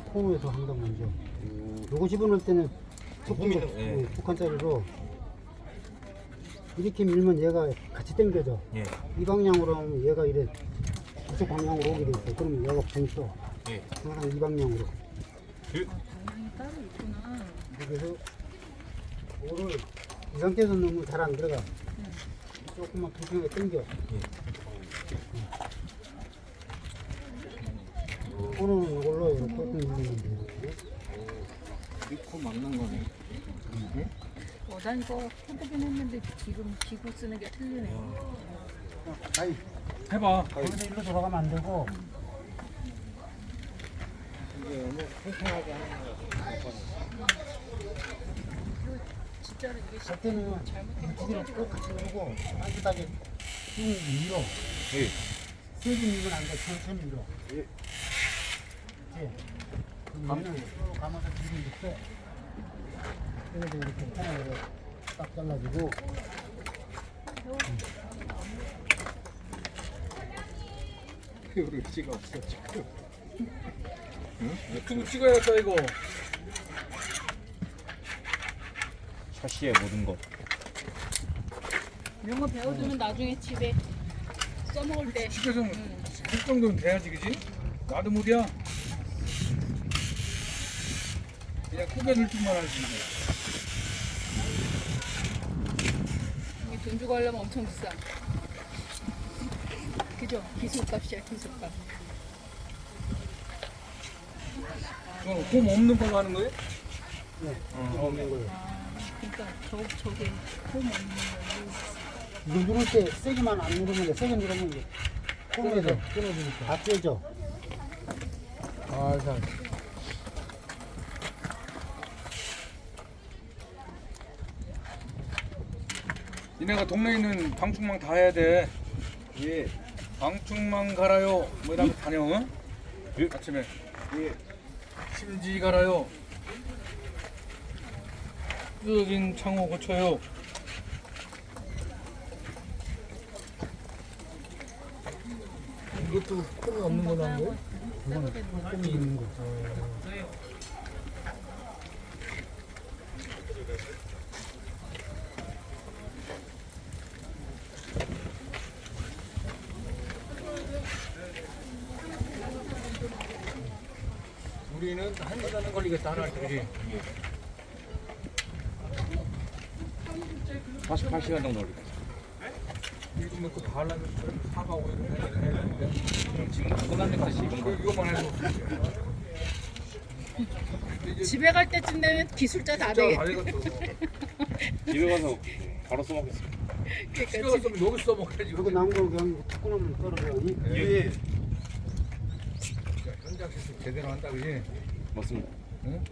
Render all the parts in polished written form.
코너에서 한단 말이죠. 요거 집어넣을 때는 북한짜리로 이렇게 밀면 얘가 같이 당겨져. 예. 이 방향으로 하면 얘가 이래 이쪽 방향으로 오게 돼 있어. 그러면 얘가 붕 예. 항상 이 방향으로. 방향이 따로 있구나. 그래서 오를 이 상태에서 넣으면 잘 안 들어가. 조금만 불편하게 당겨. 오늘은 이걸로 이렇게 조금 밀리면 돼요. 이코 막는 거네. 난 이거 해보긴 했는데 지금 기구 쓰는 게 틀리네. 아이, 해봐. 거기서 일로 돌아가면 안 되고. 진짜로 이게 할 때는 물티기를 꼭 같이 누르고 따뜻하게 쭉 밀어. 예. 세게 밀면 안 돼. 천천히 밀어. 예. 그러면은 쭉 감아서 뒤로 이렇게 그래서 이렇게 편하게 딱 잘라주고. 의지가 없어 지금. 유튜브 찍어야겠다 이거. 샤시의 모든 것. 이런 거 배워두면 나중에 집에 써먹을 때. 집에 좀 할 정도는 돼야지, 그지? 나도 못이야. 그냥 꾸겨 넣을 줄만 알지. 이게 돈 주고 하려면 엄청 비싸. 그죠? 기술값이야, 기술값. 이건 홈 없는 걸로 하는 거예요? 네. 없는 거예요. 그러니까 저게 홈 없는 걸로. 이거 누를 때 세게만 안 누르면 돼. 세게 누르면 이제 코너에서 끊어지니까 다 떼져. 잘. 니네가 동네에 있는 방충망 다 해야 돼. 예. 방충망 갈아요. 뭐 이러면 다녀. 응? 아침에. 예. 심지 갈아요. 뜯어진 창호 고쳐요. 이것도 끈이 없는 걸로 한 거예요? 이건 꼼이 있는 거. 우리는 1시간은 걸리겠다 하나 할 때, 그지? 48시간 정도 걸리겠다. 요즘에 그 발라면 사과하고 있는데 지금 끝난 데까지 이거만 해도 집에 갈 때쯤 되면 기술자 다 진짜 되겠. 다 되겠어. 집에 가서 바로 써먹겠습니다. 집에 그러니까 갔으면 여기 써먹어야지. 이렇게 나온 거 그냥 탁 끊으면 떨어져. 예. 현장에서 제대로 한다, 그지? 맞습니다. 응?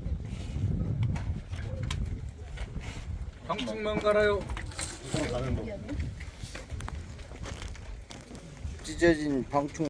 방충망 갈아요. 찢어진 방충